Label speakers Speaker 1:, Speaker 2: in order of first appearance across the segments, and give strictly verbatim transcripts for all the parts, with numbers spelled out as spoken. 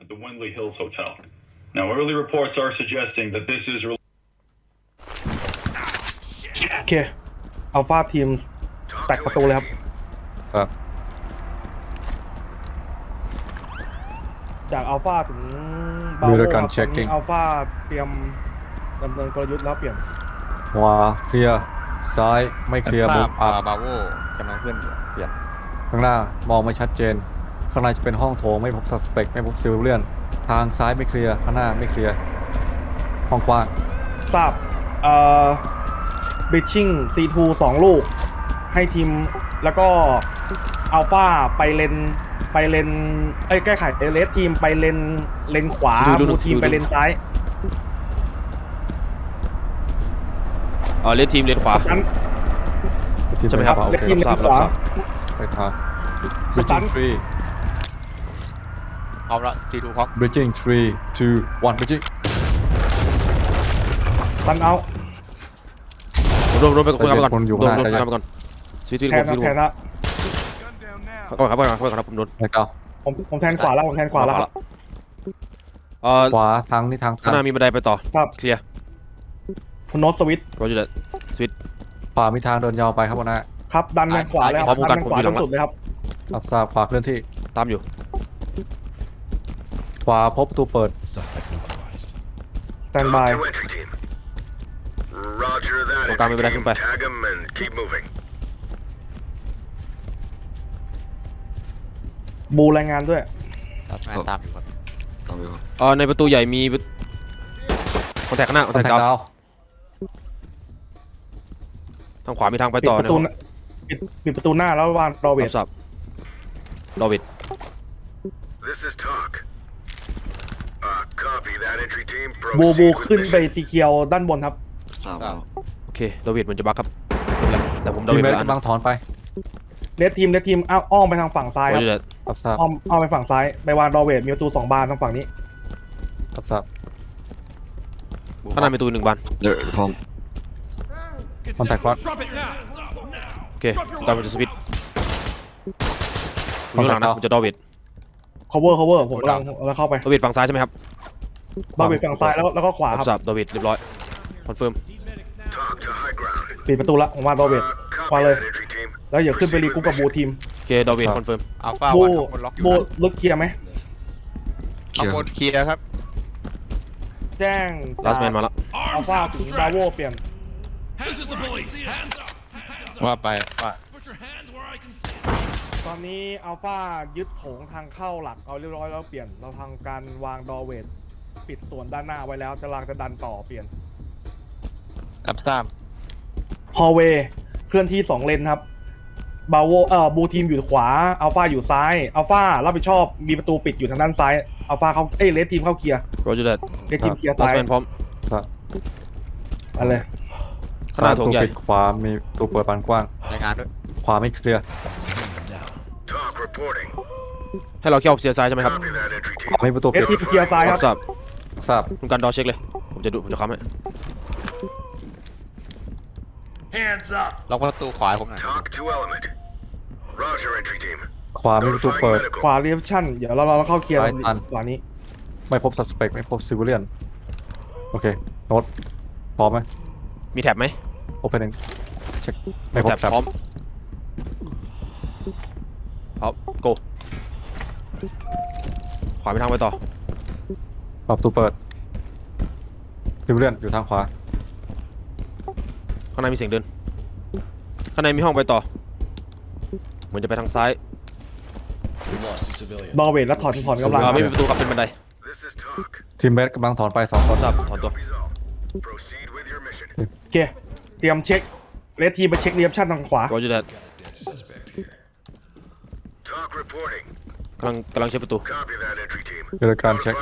Speaker 1: at the Windley Hills Hotel. Now, early reports are suggesting that this is.
Speaker 2: โอเคอัลฟาทีมแตกประตูเลยครับ
Speaker 3: ครับ
Speaker 2: จากอัลฟาถึงบาโวครับตอนนี้อัลฟาเตรียมดำเนินกลยุทธ์แล้วเปลี่ยน
Speaker 3: ขวาเคลียร์ซ้ายไม่เคลียร์มุมอั
Speaker 4: บบาโวกำลังเคลื่อนเปลี่ยน
Speaker 3: ข้างหน้ามองไม่ชัดเจนข้างในจะเป็นห้องโถงไม่พบซัสเปกไม่พบซิลเลียนทางซ้ายไม่เคลียร์ข้างหน้าไม่เคลียร์ห้องกว้าง
Speaker 2: ทราบเอ่อบิชชิ่ง ซี ทู สองลูกให้ทีมแล้วก็อัลฟาไปเลนไปเลนเอ้ยแก้ไขเลสทีมไปเลนเลนขวาบูทีมไปเลนซ้าย
Speaker 4: อ๋อเลสทีมเลนขวาใช่ไหมครับ
Speaker 2: เลสทีมเลนขวา
Speaker 3: ไปทาง bridging three
Speaker 4: พร้อมละ ซี ทู พร้อม
Speaker 3: bridging three two one bridging
Speaker 2: ตันเอา
Speaker 4: รวมรวมไปก่อนรวมรวมไปก่อนซีที
Speaker 2: แทนแทนละ
Speaker 4: เข้าไปครับเข้าไปครับผมโดน
Speaker 2: ผมผมแทนขวาแล้วผมแทนขวาแล้ว
Speaker 4: เอ่อ
Speaker 3: ขวาทางนี่ทาง
Speaker 4: ข้างหน้ามีบันไดไปต่อเคลียร์
Speaker 2: คุณโน้ตสวิต
Speaker 4: โรเจอร์สวิต
Speaker 3: ขวามีทางเดินยาวไปครับวันนะครับ
Speaker 2: ดันไปขวาแล้วดันขวาจนสุดเลยครับ
Speaker 3: รับทราบขวาเคลื่อนที่
Speaker 4: ตามอยู่
Speaker 3: ขวาพบประตูเปิด
Speaker 2: สแตนบาย
Speaker 4: ตรงกลางมีบันไดขึ้นไป
Speaker 2: บูรายงานด้วย
Speaker 4: ตามตามอยู่ครับเออในประตูใหญ่มีคอนแทคข้างหน้าคอนแทคดาวทางขวามีทางไปต่อ
Speaker 2: ปิดประตูปิดประตูหน้าแล้ววางรอเวท
Speaker 4: สับรอเวท
Speaker 2: บูบูขึ้นไปสีเขียวด้านบนครับ
Speaker 4: โอเครอเวทมันจะบักครับแต่ผมรอ
Speaker 3: เ
Speaker 4: วท
Speaker 3: กำลังถอนไป
Speaker 2: เลสทีมเลสทีมอ้อมไปทางฝั่งซ้ายครับอ้อมอ้อมไปฝั่งซ้ายไปวางรอเวทมีประตูสองบานทางฝั่งนี้
Speaker 3: รับทราบ
Speaker 4: ข้างหน้ามีประตูหนึ่งบาน
Speaker 3: เดี๋ยวพร้อมคอนแทคฟลัส
Speaker 4: โอเคตามมันจะสวิตผมอยู่หลังนะผมจะดอเวท
Speaker 2: cover cover ผมกำลังแล้วเข้าไป
Speaker 4: ดอเวทฝั่งซ้ายใช่ไหมครับ
Speaker 2: ดอเวทฝั่งซ้ายแล้วแล้วก็ขวาครับ
Speaker 4: ดอเวทเรียบร้อยคอนเฟิร์ม
Speaker 2: ปิดประตูละผมวางดอเวทวางเลยแล้วอย่าขึ้นไปรีกูกับบูทีม
Speaker 4: โอเคดอเวทคอนเฟิร์ม
Speaker 2: อัลฟาวันคนล็อกอยู่บูลึกเคลียร์ไหม
Speaker 4: ข้างบนเคลียร์ครับ
Speaker 2: แจ้ง
Speaker 4: ลาสแมนมาแล้ว
Speaker 2: อัลฟาถึงบราโวเปลี่ยน
Speaker 4: ว่าไปว่า
Speaker 2: ตอนนี้อัลฟายึดโถงทางเข้าหลักเอาเรียบร้อยแล้วเปลี่ยนเราทำการวางดอเวทปิดส่วนด้านหน้าไว้แล้วจะลางจะดันต่อเปลี่ยน
Speaker 4: รับทราบ
Speaker 2: ฮอลเวย์เคลื่อนที่สองเลนครับบาโวเอ่อบูทีมอยู่ขวาอัลฟาอยู่ซ้ายอัลฟารับผิดชอบมีประตูปิดอยู่ทางด้านซ้ายอัลฟาเขาเอ้ยเลสทีมเข้าเคลียร์
Speaker 4: โรเจอร์
Speaker 2: เลสทีมเคลียร์ซ้าย
Speaker 4: พร้อม
Speaker 2: อะไร
Speaker 3: ขนาดตัวปิดขวามีตัวเปิดบานกว้าง
Speaker 4: รายงานด้วย
Speaker 3: ขวาไม่เคลียร์
Speaker 4: ให้เราเขี่ยวเสียซ้ายใช่ไหมครับ
Speaker 3: ขวามีประตู
Speaker 2: เลสทีมเคลียร์ซ้ายครับ
Speaker 4: ทราบ
Speaker 3: ทราบ
Speaker 4: คุณการดอเช็คเลยผมจะดูผมจะค้ำให้ล็อกประตูขวาผมหน่อย
Speaker 3: ขวามีประตูเปิด
Speaker 2: ขวาเรียบชั่นเดี๋ยวเราเราเข้าเคลียร์ขวานี้
Speaker 3: ไม่พบซัสเปกไม่พบซิวิเลียนโอเคโน้ตพร้อมไหม
Speaker 4: มีแท็บไหม
Speaker 3: โอเพนเองเช็ค
Speaker 4: ไม่พบแท็บพร้อมพร้อมโกขวาไปทางไปต่อ
Speaker 3: ประตูเปิดซิวิเลียนอยู่ทางขวา
Speaker 4: ข้างในมีเสียงเดินข้างในมีห้องไปต่อเหมือนจะไปทางซ้าย
Speaker 2: ดอเวทแล้วถอนถอนกำลัง
Speaker 4: ไม่มีประตูครับเป็นบันได
Speaker 3: ทีมเบสกำลังถอนไปสองคน
Speaker 4: ทราบถอนตัว
Speaker 2: โอเคเตรียมเช็คเลสทีมไปเช็คเรียบชั่นทางขวา
Speaker 4: โรเจอร์กำลังกำลังเช็คประตู
Speaker 3: เกิดการเช็ค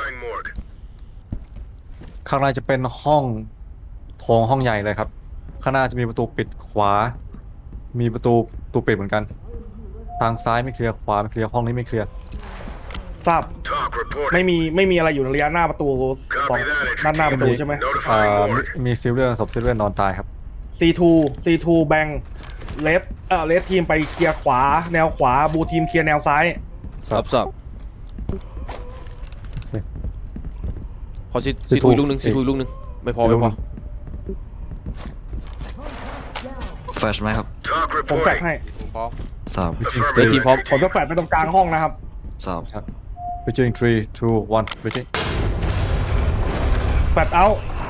Speaker 3: ข้างในจะเป็นห้องโถงห้องใหญ่เลยครับข้างหน้าจะมีประตูปิดขวามีประตูตูปิดเหมือนกันทางซ้ายไม่เคลียร์ขวาไม่เคลียร์ห้องนี้ไม่เคลียร์
Speaker 2: ทราบไม่มีไม่มีอะไรอยู่ในระยะหน้าประตูสองด้านหน้าประตูใช่ไหม
Speaker 3: อ่ามีซิลเลียนศพซิลเลียนนอนตายครับ
Speaker 2: ซี ทู ซี ทู แบงเลฟเอ่อเลฟทีมไปเคลียร์ขวาแนวขวาบูทีมเคลียร์แนวซ้าย
Speaker 4: ทราบทราบ
Speaker 3: โอเค
Speaker 4: ขอซีซีทูอีกลูกหนึ่งซีทูอีกลูกหนึ่งไม่พอไม่พอ
Speaker 5: แฟลชไหมครับ
Speaker 6: Talk
Speaker 2: ผมแฟด
Speaker 6: reporting.
Speaker 2: ให้
Speaker 7: พร้อม
Speaker 5: สาม
Speaker 4: เดี๋ยวทีมพร้อม
Speaker 2: ผมจะแฟดไปตรงกลางห้องนะครับ
Speaker 5: สาม
Speaker 3: Bridging three two one bridging
Speaker 2: แฟดเอา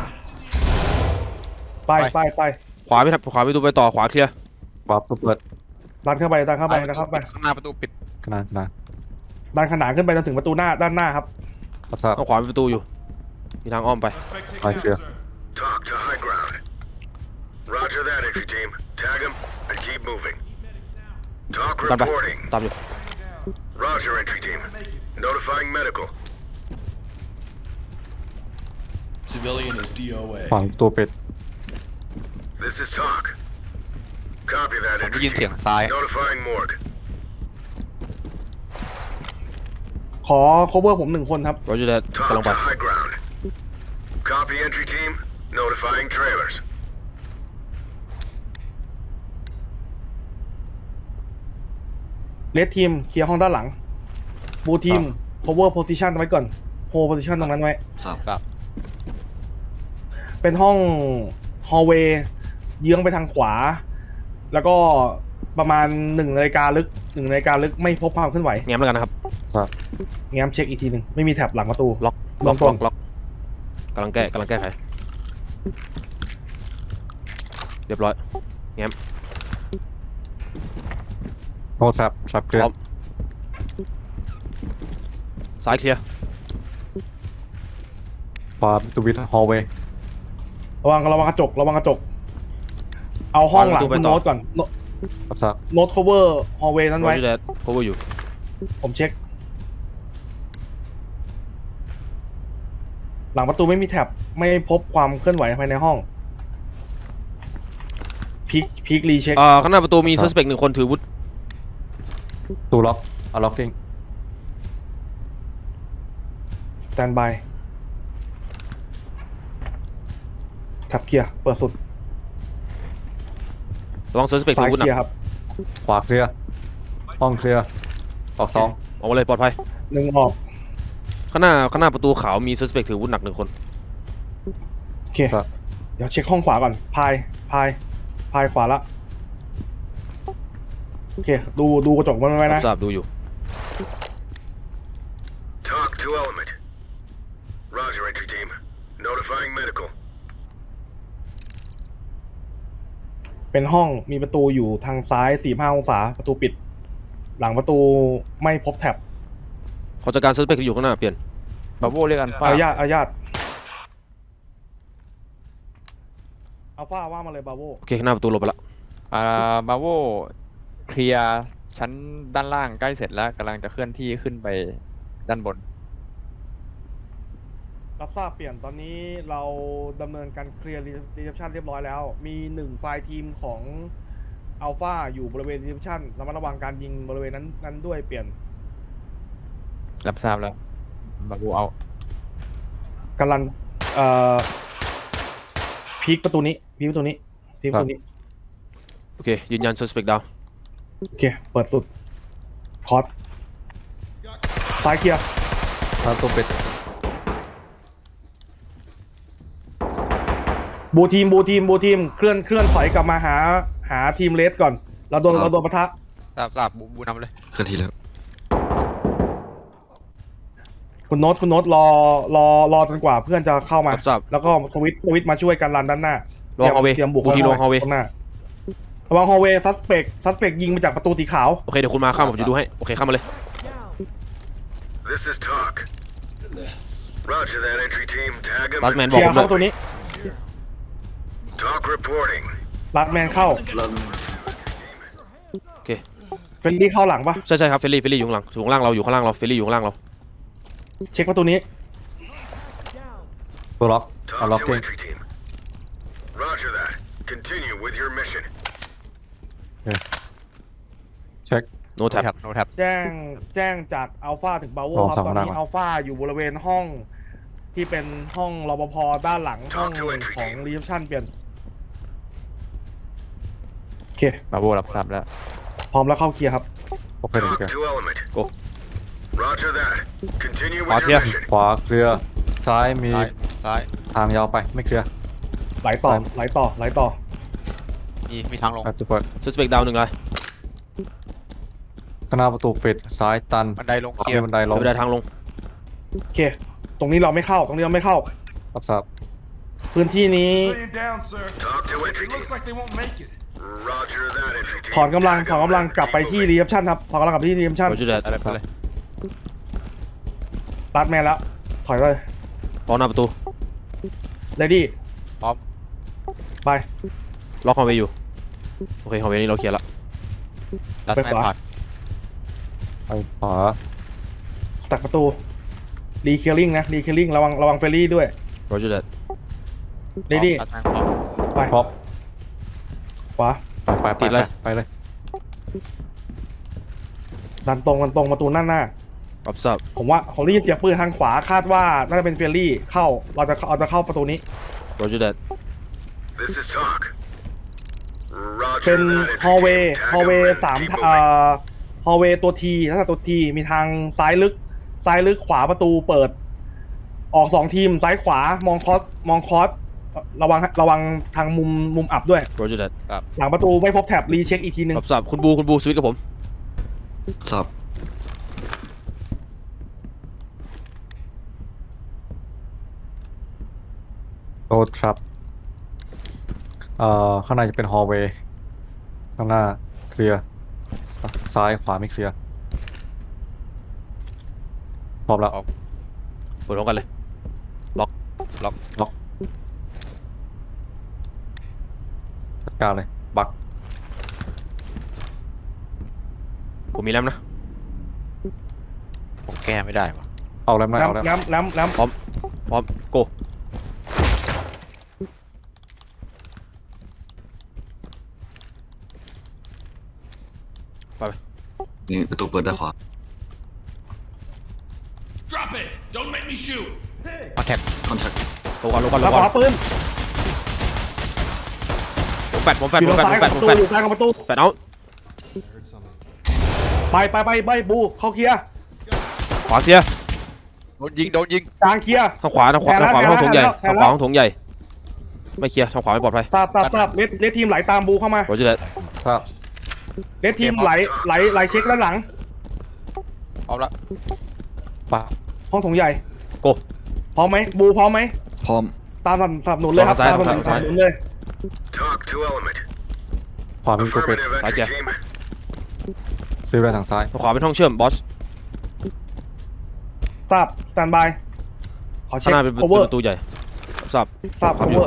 Speaker 2: ไปไปไป
Speaker 4: ขวาไม่ทับขวาประตูไปต่อขวาเคลียร์
Speaker 3: ขวาประตูเปิด
Speaker 2: ดันเข้าไปดันเข้าไปดันเข้าไป
Speaker 7: ข้างหน้าประตูปิด
Speaker 3: ขนาดขนาด
Speaker 2: ดันขนานขึ้นไปจนถึงประตูหน้าด้านหน้าครับ
Speaker 3: รับทราบ
Speaker 4: ต้องขวามีประตูอยู่มีทางอ้อมไป
Speaker 3: ไปเคลียร์
Speaker 6: Talk to high ground. Roger that, entry team. Tag him and keep moving. Talk
Speaker 4: กันไป
Speaker 6: reporting.
Speaker 4: ตามอยู่
Speaker 6: Roger, entry team. Notifying medical.
Speaker 8: Civilian is D O A.
Speaker 3: ฝั่งตัวเป็ด
Speaker 6: This is Talk. Copy that,
Speaker 7: ผมได้
Speaker 6: entry
Speaker 7: ยินเสียง
Speaker 6: team.
Speaker 7: ซ้าย
Speaker 6: Notifying morgue.
Speaker 2: ขอ cover ผมหนึ่งคนครับ
Speaker 4: เราจะได้กำลั
Speaker 6: Talk
Speaker 4: งไป
Speaker 6: to high ground. Copy, entry team. Notifying trailers.
Speaker 2: เลดทีมเคลียร์ห้องด้านหลังบูทีม cover position ไว้ก่อน hold position ตรงนั้นไว้
Speaker 5: สาม
Speaker 7: ครับ
Speaker 2: เป็นห้อง hallway เยื้องไปทางขวา แล้วก็ประมาณหนึ่งนาฬิกาลึกหนึ่งนาฬิกาลึกไม่พบความเคลื่อนไหว
Speaker 4: แง้มแล้วกันนะครับ
Speaker 3: ทราบ
Speaker 2: แง้มเช็คอีกทีหนึ่งไม่มีแท็บหลังประตู
Speaker 4: ล็อก
Speaker 2: เบื้
Speaker 4: ล็อ
Speaker 2: อก ง
Speaker 4: ล็
Speaker 2: ต้
Speaker 4: อน กล็อกกำลังแก้กำลังแก้ไขเรียบร้อยแง้ม
Speaker 3: no trap trap เคลีย
Speaker 4: พร้อม
Speaker 3: ร์
Speaker 4: ซ้ายเคลียร์
Speaker 3: ขวาประตูวิท hallway
Speaker 2: ระวังระวังกระจกระวังกระจก เอาห้องหลังคุณโน้ตก่อน
Speaker 3: รับทราบ
Speaker 2: โน้ต cover hallway นั้น
Speaker 4: เรา
Speaker 2: ไว้
Speaker 4: จะได้ cover อยู่
Speaker 2: ผมเช็ค หลังประตูไม่มีแท็บไม่พบความเคลื่อนไหวภายในห้องพีคพีครีเช็ค
Speaker 4: อ่าข้างหน้าประตูมี suspect หนึ่งคนถือวุธ
Speaker 3: ประตูล็อก unlocking
Speaker 2: สแตนบายแท็บเคลียร์เปิดสุด
Speaker 4: ระวัง suspect ถื
Speaker 2: ซ้าย
Speaker 4: อวุธ
Speaker 2: เคลียร์
Speaker 4: นะครับ
Speaker 3: ขวาเคลียร์ห้องเคลียร์ออกสอง
Speaker 4: ออกมาเลยปลอดภัย
Speaker 2: หนึ่งออก
Speaker 4: ข้างหน้าข้างหน้าประตูขาวมี suspect ถือวุธหนักหนึ่งคน
Speaker 2: โอเค
Speaker 3: ทราบ
Speaker 2: เดี๋ยวเช็คห้องขวาก่อน พาย พาย พายขวาละ โอเค ดูดูกระจกมันไว้
Speaker 4: รั
Speaker 2: นะ
Speaker 4: บทราบดูอยู่
Speaker 6: Talk to element. Roger, entry team. Notifying medical.
Speaker 2: เป็นห้องมีประตูอยู่ทางซ้ายสี่ห้าองศาประตูปิด หลังประตูไม่พบแท็บ
Speaker 4: ขอจัดการ suspect ที่อยู่ข้างหน้าเปลี่ยน
Speaker 7: บาโวเรียกกัน
Speaker 2: อ
Speaker 7: ฟ้า
Speaker 2: นุญาตอนุญาตอัลฟาว่ามาเลยบาโว
Speaker 4: โอเคข้างหน้าประตูหลบไปละ
Speaker 7: อ่าบาโวเคลียร์ชั้นด้านล่างใกล้เสร็จแล้วกำลังจะเคลื่อนที่ขึ้นไปด้านบน
Speaker 2: รับทราบเปลี่ยนตอนนี้เราดำเนินการเคลียร์รีเซพชันเรียบร้อยแล้ว มีหนึ่งไฟล์ทีมของอัลฟาอยู่บริเวณรีเซพชันระมัดระวังการยิงบริเวณนั้นนั้นด้วยเปลี่ยน
Speaker 7: รับทราบแล้วบาโวเอา
Speaker 2: กำลังเอ่อพีคประตูนี้พีคประตูนี้พีคประตูนี้
Speaker 4: โอเคยืนยัน suspect ดาว
Speaker 2: โอเค เปิดสุด คอร์สซ้ายเคลียร์
Speaker 3: ประตูเป็ด
Speaker 2: บูทีมบูทีมบูทีมเคลื่อนเคลื่อนถอยกลับมาหาหาทีมเลสก่อน เราโดนเราโดนปะทะ
Speaker 7: ทราบทราบบูบูนำเลย
Speaker 5: เคลื่อนที่แล้ว
Speaker 2: คุณโน้ตคุณโน้ตรอรอรอจนกว่าเพื่อนจะเข้ามา
Speaker 4: รับทราบ
Speaker 2: แล้วก็สวิตช์สวิตช์มาช่วยกันรันด้านหน้า
Speaker 4: ลอง hallway
Speaker 2: เตรียมบุก
Speaker 4: บูทีลง hallway
Speaker 2: ข้างหน้าระวังฮอลเวย์ซัสเปกซัสเปกยิงมาจากประตูสีขาว
Speaker 4: โอเคเดี๋ยวคุณมาข้ามผมจะดูให้โอเคข้ามมาเลย
Speaker 6: This is Talk. Roger that, entry team. Tag him.
Speaker 4: ลัสแมน
Speaker 6: and
Speaker 4: บอก
Speaker 2: เคลีย
Speaker 4: ผ
Speaker 2: ร์
Speaker 4: ม
Speaker 2: เข้า
Speaker 4: เลย
Speaker 2: ประตูนี้
Speaker 6: Talk reporting.
Speaker 2: ลัดแมนเข้า
Speaker 4: โอเค
Speaker 2: เฟรนลี่เข้าหลังปะ
Speaker 4: ใช่ใช่ครับเฟลลี่เฟลลี่อยู่ข้างหลังอยู่ข้างล่างเราอยู่ข้างล่างเราเฟลลี่อยู่ข้างล่างเรา
Speaker 2: เช็คประตูนี้
Speaker 3: ตัวล็อก
Speaker 6: Talk to
Speaker 3: unlocking
Speaker 6: entry team. Roger that. Continue with your mission.
Speaker 3: เช็ค
Speaker 4: โนแท็บ
Speaker 7: แท็บโนแท็บ
Speaker 2: แจ้งแจ้งจากอัลฟาถึงบาโว
Speaker 3: ลอง
Speaker 2: ครับ
Speaker 3: สั่ง
Speaker 2: ตอน
Speaker 3: มา
Speaker 2: นี้
Speaker 3: หน่อย
Speaker 2: อัลฟาอยู่บริเวณห้องที่เป็นห้องรปภด้านหลังห้องของรีเซพชันเปลี่ยนโอเค
Speaker 7: บาโวรับทราบแล้ว
Speaker 2: พร้อมแล้วเข้าเคลียร์ครับ
Speaker 3: โอเคโอ
Speaker 6: Talk
Speaker 3: เค
Speaker 6: to element. Roger that. Continue with
Speaker 4: Out
Speaker 6: your
Speaker 4: here.
Speaker 6: mission.
Speaker 3: ขวาเคลียร์ซ้ายมี
Speaker 5: ซ้ายซ้าย
Speaker 3: ทางยาวไปไม่เคลียร์
Speaker 2: ไหลต่อไหลต่อไหลต่อ
Speaker 5: มีมีทางลง
Speaker 3: แอตตูเปิด
Speaker 4: suspect ดาวหนึ่งเลย
Speaker 3: ข้างหน้าประตูปิดซ้ายตัน
Speaker 5: บันไดลง
Speaker 3: ขวา
Speaker 5: เคลีย
Speaker 3: มี
Speaker 5: ร์
Speaker 3: บันไดลง
Speaker 4: ไม่ได้ทางลง
Speaker 2: โอเค ตรงนี้เราไม่เข้าตรงนี้เราไม่เข้า
Speaker 3: รับทราบ
Speaker 2: พื้นที่นี้
Speaker 8: Civilian down, sir.
Speaker 6: Talk to entry
Speaker 8: It
Speaker 6: team.
Speaker 8: looks like they won't make it.
Speaker 6: Roger that, entry team.
Speaker 2: ถอนกำลัง
Speaker 6: Tag
Speaker 2: ถอน
Speaker 6: them
Speaker 2: กำลัง
Speaker 6: and
Speaker 2: กลับ
Speaker 6: keep
Speaker 2: ไปที่
Speaker 6: moving.
Speaker 2: รีเซพชันครับถอนกำลังกลับไปที่รีเซพชัน
Speaker 4: Roger that
Speaker 5: อะไรไปเลย
Speaker 2: รัดแมนแล้วถอยเลย
Speaker 4: ล็อกหน้าประตู
Speaker 2: เรดี้
Speaker 5: พร้อม
Speaker 2: ไป
Speaker 4: ล็อกฮอลเวย์อยู่โอเคฮอลเวย์นี้เราเคลียร์ละ
Speaker 5: ดัส
Speaker 2: ไป
Speaker 5: แม
Speaker 2: ข
Speaker 5: น
Speaker 2: วา
Speaker 5: ผ่าน
Speaker 3: ไปขวา
Speaker 2: สตักประตูรีเคลียริงนะรีเคลียริงระวังระวังเฟรรี่ด้วย
Speaker 4: Roger that
Speaker 2: เรดี้
Speaker 5: ดัสแมนพร้อม
Speaker 2: ไป
Speaker 3: พร้อม
Speaker 2: ขวา
Speaker 3: ไปไปไป
Speaker 4: ติดเลย
Speaker 3: ไปเลย
Speaker 2: ดันตรงดันตรงประตูหน้าหน้า
Speaker 4: รับทราบ
Speaker 2: ผมว่าผมได้ยินเสียงปืนทางขวาคาดว่าน่าจะเป็นเฟรรี่เข้าเราจะเราจะเข้าประตูนี้
Speaker 4: Roger that
Speaker 6: This is talk.
Speaker 2: เป็
Speaker 6: Roger
Speaker 2: น
Speaker 6: that, entry
Speaker 2: ฮอลเว
Speaker 6: team.
Speaker 2: ย์
Speaker 6: Tag
Speaker 2: ฮอลเว
Speaker 6: them
Speaker 2: ย์
Speaker 6: and
Speaker 2: สาม
Speaker 6: keep
Speaker 2: เอ่
Speaker 6: moving.
Speaker 2: อฮอลเวย์ตัวทีลักษณะตัวทีมีทางซ้ายลึกซ้ายลึกขวาประตูเปิด ออกสองทีมซ้ายขวามองคอสมองคอสระวังระวังทางมุมมุมอับด้วย
Speaker 4: Roger that
Speaker 2: หลังประตูไม่พบแท็บรีเช็คอีกทีหนึง
Speaker 4: รับทราบคุณบูคุณบูสวิตช์กับผม
Speaker 5: ทราบ
Speaker 3: โรดทรัพเอ่อข้างในจะเป็นฮอลเวย์ข้างหน้าเคลียร์ซ้ายขวาไม่เคลียร์พร้อมแล้ว
Speaker 4: เปิดพร้อมกันเลย ล็อก
Speaker 5: ล็อก
Speaker 3: ล็อกจัดการเลยบัก
Speaker 4: ผมมีแรมนะ
Speaker 5: ผมแก้ไม่ได้วะ
Speaker 3: เอาแล้วไหมเอาแล้ว
Speaker 2: แล้ำแล้ำแล้ำ
Speaker 4: พร้อม พร้อม โก ไปไป
Speaker 5: นี่ประตูเปิดด้านขวา
Speaker 8: Drop it! Don't make me shoot!
Speaker 5: คอนแทคคอนแทค
Speaker 4: ลงก่อนลงก่อนล
Speaker 2: แล้ว
Speaker 4: ง
Speaker 2: ข
Speaker 4: ก่อ
Speaker 2: วาน ปืน
Speaker 4: ผมแฟดผมแฟด
Speaker 2: อยู่
Speaker 4: ผม
Speaker 2: ทาง
Speaker 4: แฟด
Speaker 2: ซ้าย
Speaker 4: ผม
Speaker 2: ของ
Speaker 4: แฟ
Speaker 2: ประ
Speaker 4: ด
Speaker 2: ตู
Speaker 4: ผมแฟด
Speaker 2: อยู่ซ้ายของประตู
Speaker 4: แฟดเอา
Speaker 2: ไปไปไปไปบูเข้าเคลียร์
Speaker 4: ขวาเคลียร์
Speaker 5: โดนยิงโดนยิง
Speaker 2: กลางเคลียร์
Speaker 4: ทางขวาทางขวา
Speaker 2: แท
Speaker 4: ทาง
Speaker 2: น
Speaker 4: ขวา
Speaker 2: แล้ว
Speaker 4: ห้องโถงใหญ่
Speaker 2: แทนแล้ว
Speaker 4: ทางขวาห้องโถงใหญ่ ไม่เคลียร์ทางขวาไม่ปลอดภัย
Speaker 2: ทราบทราบทราบเลดเลดทีมไหลตามบูเข้ามา
Speaker 4: Roger that
Speaker 3: ครับ
Speaker 2: เลดทีมไหลไหลไหลเช็คด้านหลัง
Speaker 5: พร้อมละ
Speaker 3: ปะ
Speaker 2: ห้องโถงใหญ่
Speaker 4: โก
Speaker 2: พร้อมไหมบูพร้อมไหม
Speaker 5: พร้อม
Speaker 2: ตามสนับสนุนเลยครับ
Speaker 4: ซ้าย
Speaker 2: ตามสนับ
Speaker 4: ซ้าย
Speaker 2: สนุนเลย
Speaker 6: Talk to element.
Speaker 3: ขวาเป็นตัวเป็ด
Speaker 6: Affirmative, entry
Speaker 4: Roger.
Speaker 6: team.
Speaker 3: ซื้อไปทางซ้าย
Speaker 4: ทางขวาเป็นห้องเชื่อมบอส
Speaker 2: ทราบสแตนบายขอ
Speaker 4: ข้า
Speaker 2: เช็
Speaker 4: ง
Speaker 2: ค
Speaker 4: หน้าเป็น
Speaker 2: cover
Speaker 4: ประตูใหญ่รับทราบ
Speaker 2: ทราบ cover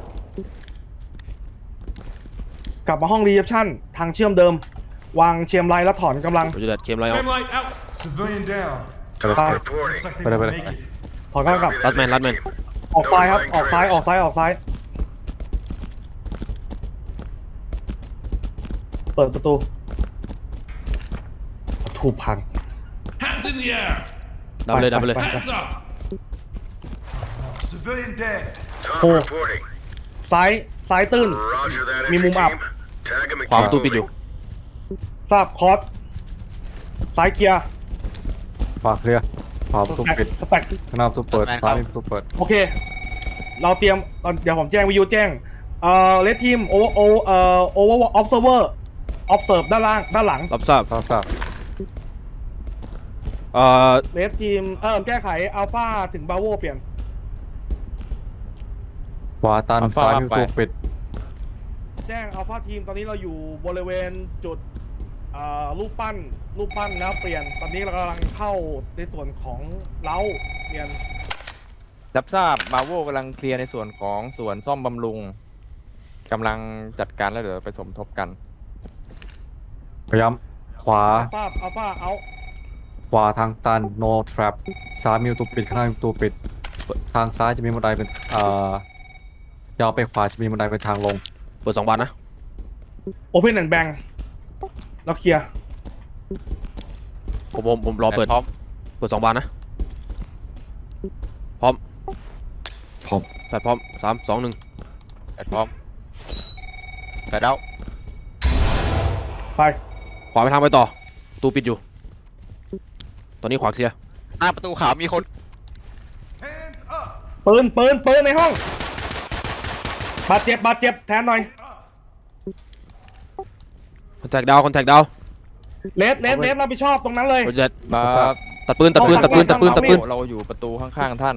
Speaker 2: กลับมาห้องรีเซพชันทางเชื่อมเดิม วางเชียมไลน์แล้วถอนกำลัง
Speaker 4: Roger that เคมไลน์เอา
Speaker 8: Flame light out! Civilian down.
Speaker 6: Talk
Speaker 2: Bye.
Speaker 6: reporting.
Speaker 8: Looks like they
Speaker 3: Bye,
Speaker 8: won't
Speaker 3: bye.
Speaker 8: make it.
Speaker 2: ถอนกำลังกลับ
Speaker 6: Copy
Speaker 4: รัด
Speaker 6: that,
Speaker 4: แมนรัด
Speaker 6: entry
Speaker 4: แมน
Speaker 6: team.
Speaker 2: ออกซ้ายครับ
Speaker 6: Notifying
Speaker 2: ออกซ้าย
Speaker 6: trailers.
Speaker 2: ออกซ้าย ออกซ้าย เปิดประตูประตูพัง
Speaker 8: Hands in the air!
Speaker 4: ดับเลยดับไปเลย
Speaker 2: ไป
Speaker 8: Hands up! Civilian dead.
Speaker 6: Talk
Speaker 2: Oh.
Speaker 6: reporting.
Speaker 2: ซ้าย ซ้ายตื้น
Speaker 6: Roger that,
Speaker 2: Mi
Speaker 6: entry
Speaker 2: mum up.
Speaker 6: team. Tag them and
Speaker 4: ขวาป
Speaker 6: keep
Speaker 4: ระตูปิดอยู่
Speaker 6: moving.
Speaker 2: ทราบคอร์สซ้ายเคลียร์
Speaker 3: ขวาเคลียร์ขวาประตูปิด
Speaker 2: สแต็ก
Speaker 3: ข้างหน้าประตูเปิดซ้ายมีประตูเปิด
Speaker 2: โอเค เราเตรียมตอนเดี๋ยวผมแจ้งวิทยุแจ้ง เอ่อเลดทีมโอโอเอ่อโอเวอร์ออฟเซอร์เวอร์ออฟเซิร์ฟด้านล่าง ด้านหลัง
Speaker 4: รับทราบ
Speaker 3: รับทราบ
Speaker 4: เอ่อ
Speaker 2: เลดทีม เอ่อแก้ไขอัลฟาถึงบาโวเปลี่ยน
Speaker 3: ขวาตัน
Speaker 7: อัลฟา
Speaker 3: ซ้ายมีประตู
Speaker 7: ไป
Speaker 3: ปิด
Speaker 2: แจ้งอัลฟาทีมตอนนี้เราอยู่บริเวณจุดเอ่อรูปปั้นรูปปั้นแล้วเปลี่ยน ตอนนี้เรากำลังเข้าในส่วนของเล้าเปลี่ยน
Speaker 7: รับทราบบาโวกำลังเคลียร์ในส่วนของส่วนซ่อมบำรุงกำลังจัดการแล้วเดี๋ยวไปสมทบกัน
Speaker 3: พยายามขวา
Speaker 2: อัลฟาอัลฟาเอา
Speaker 3: ขวาทางตัน no trap ซ้ายมีประตูปิดข้างหน้ามีประตูปิด ทางซ้ายจะมีบันไดเป็นเอ่อยาวไปขวาจะมีบันไดเป็นทางลง
Speaker 4: เปิดสองบานนะ
Speaker 2: โอเพนแอนด์แบงแล้วเคลียร์
Speaker 4: ผมผมผมรอเปิด
Speaker 5: พร้อม
Speaker 4: เปิดสองบานนะ พร้อม
Speaker 5: พร้อม
Speaker 4: แฟดพร้อมสามสองหนึ่ง
Speaker 5: แปดพร้อมแปดเอา
Speaker 2: ไป
Speaker 4: ขวาไปทางไปต่อประตูปิดอยู่ตอนนี้ขวาเคลียร์
Speaker 5: หน้าประตูขาวมีคน
Speaker 8: Hands up.
Speaker 2: ปืนปืนปืนในห้องบาดเจ็บบาดเจ็บแทนหน่อย
Speaker 4: คอนแทคดาวคอนแทคดาว
Speaker 2: เลสเลสเลสรับผิดชอบตรงนั้นเลย
Speaker 4: โรเจอร์
Speaker 7: มา
Speaker 4: ตัดปืนตัดปืนตัดปืนตัดปืนตัดปืน
Speaker 7: เราอยู่ประตูข้างๆท่าน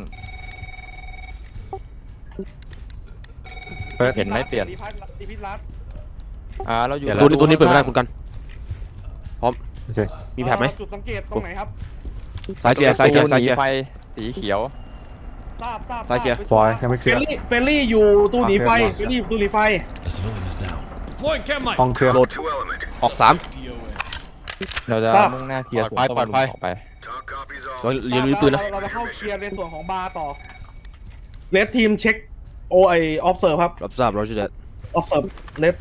Speaker 3: เปิด
Speaker 7: เห็นไหมเปลี่ยน
Speaker 2: ดีพัทดีพิรัต
Speaker 7: อ่าเราอยู่
Speaker 4: ตัวนี้ตัวนี้เปิดไม่ได้คุณกันพร้อม
Speaker 3: โอเค
Speaker 4: มีแผลไหม
Speaker 2: จุดสังเกตตรงไหนครับ
Speaker 4: ซ้ายเคลียร์ซ้ายเคลียร์
Speaker 7: ห
Speaker 4: ซ้าย
Speaker 7: นี
Speaker 4: เคลียร์
Speaker 7: ไฟสีเขียว
Speaker 2: ทราบทราบ
Speaker 4: ซ้ายเคลียร์
Speaker 3: บอยยังไม่เค
Speaker 2: เฟ
Speaker 3: ลีย
Speaker 2: ล
Speaker 3: ร์
Speaker 2: ลี่เฟลลี่อยู่ตู้หนีไฟ
Speaker 3: อ่ะ
Speaker 2: เฟลลี่อยู่ตู้หนีไฟ
Speaker 8: The civilian is down. Deploying chem light.
Speaker 3: ห้องเคลียร์
Speaker 6: Two element.
Speaker 4: ออกสาม
Speaker 7: เราจะ
Speaker 2: ทราบ
Speaker 7: มุ่งหน้าเคลียร์สวน
Speaker 5: ปล่อย
Speaker 7: ต้
Speaker 5: ปล่
Speaker 7: น
Speaker 5: อย
Speaker 7: ลุ
Speaker 5: ปล่อย
Speaker 7: ออกไป
Speaker 6: Talk copies
Speaker 4: เรา
Speaker 6: all.
Speaker 4: เรียนรู้ปืนนะ
Speaker 2: เราจะเข้าเคลียร์ในส่วนของบาร์ต่อเลสทีมเช็คโอไอออฟเซิร์ฟครับ
Speaker 4: รับทราบโรเจอร์
Speaker 2: ออฟเซิร์ฟเลส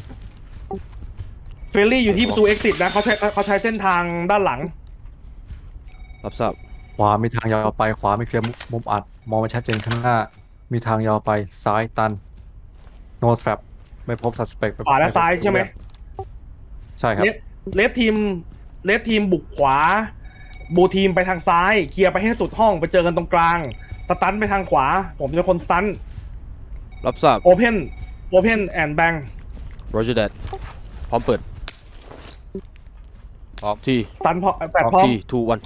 Speaker 2: เฟลลี่อยู่ที่ประตู exit นะเขาใช้เขาใช้เส้นทางด้านหลัง
Speaker 4: รับทราบ
Speaker 3: ขวามีทางยาวไปขวาไม่เคลียร์มุมมุมอัดมองไม่ชัดเจนข้างหน้า มีทางยาวไปซ้ายตัน no trap ไม่พบ suspect
Speaker 2: ขวาและซ้ายใช่ไหม
Speaker 3: ใช่ครับ
Speaker 2: เลสเลสทีมเลสทีมบุกขวา บูทีมไปทางซ้าย เคลียร์ไปให้สุดห้องไปเจอกันตรงกลาง สตันไปทางขวา ผมเป็นคนสตัน
Speaker 4: รับทราบ
Speaker 2: โอเพนโอเพนแอนด์แบง
Speaker 4: โรเจอร์พร้อมเปิด
Speaker 5: พร้อม
Speaker 4: ที
Speaker 2: สตันพอแฟดพร้อม
Speaker 4: ทีทูวัน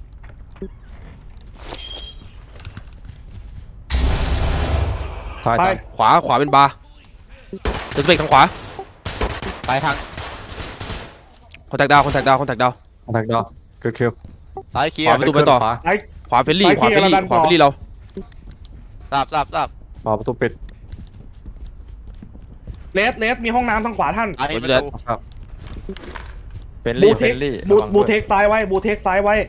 Speaker 3: ซ้าย
Speaker 2: ไป
Speaker 3: ตัน
Speaker 4: ขวาขวาเป็นบาร์เดินสเปกทางขวา
Speaker 5: ไปทาง
Speaker 4: คอนแทคดาวคอนแทคดาวคอนแทคดาว
Speaker 3: คอนแทคดาวเกิดคิว
Speaker 5: ซ้ายเคลีย
Speaker 4: ขวา
Speaker 5: ร์
Speaker 4: ประตูไปต่อ
Speaker 3: ขวา
Speaker 2: ไอ้
Speaker 4: ขวาเฟลลี่
Speaker 2: ไป
Speaker 4: ขวาเฟลลี่
Speaker 2: เคลียร์แล้วดัน
Speaker 4: ขวา
Speaker 2: ต่อ
Speaker 4: เฟลลี่เรา
Speaker 5: ทราบทราบทราบ
Speaker 3: ขวาประตูปิด
Speaker 2: เลสเลสมีห้องน้ำทางขวาท่าน
Speaker 5: ไอ้ประตู
Speaker 3: ครับ
Speaker 7: เฟล
Speaker 2: บู
Speaker 7: ลี่
Speaker 2: เท
Speaker 7: เฟ
Speaker 2: ค
Speaker 7: ลลี่
Speaker 2: บู
Speaker 7: ระวัง
Speaker 2: บู
Speaker 7: ด้วย
Speaker 2: เทคซ้ายไว้บูเทคซ้ายไว้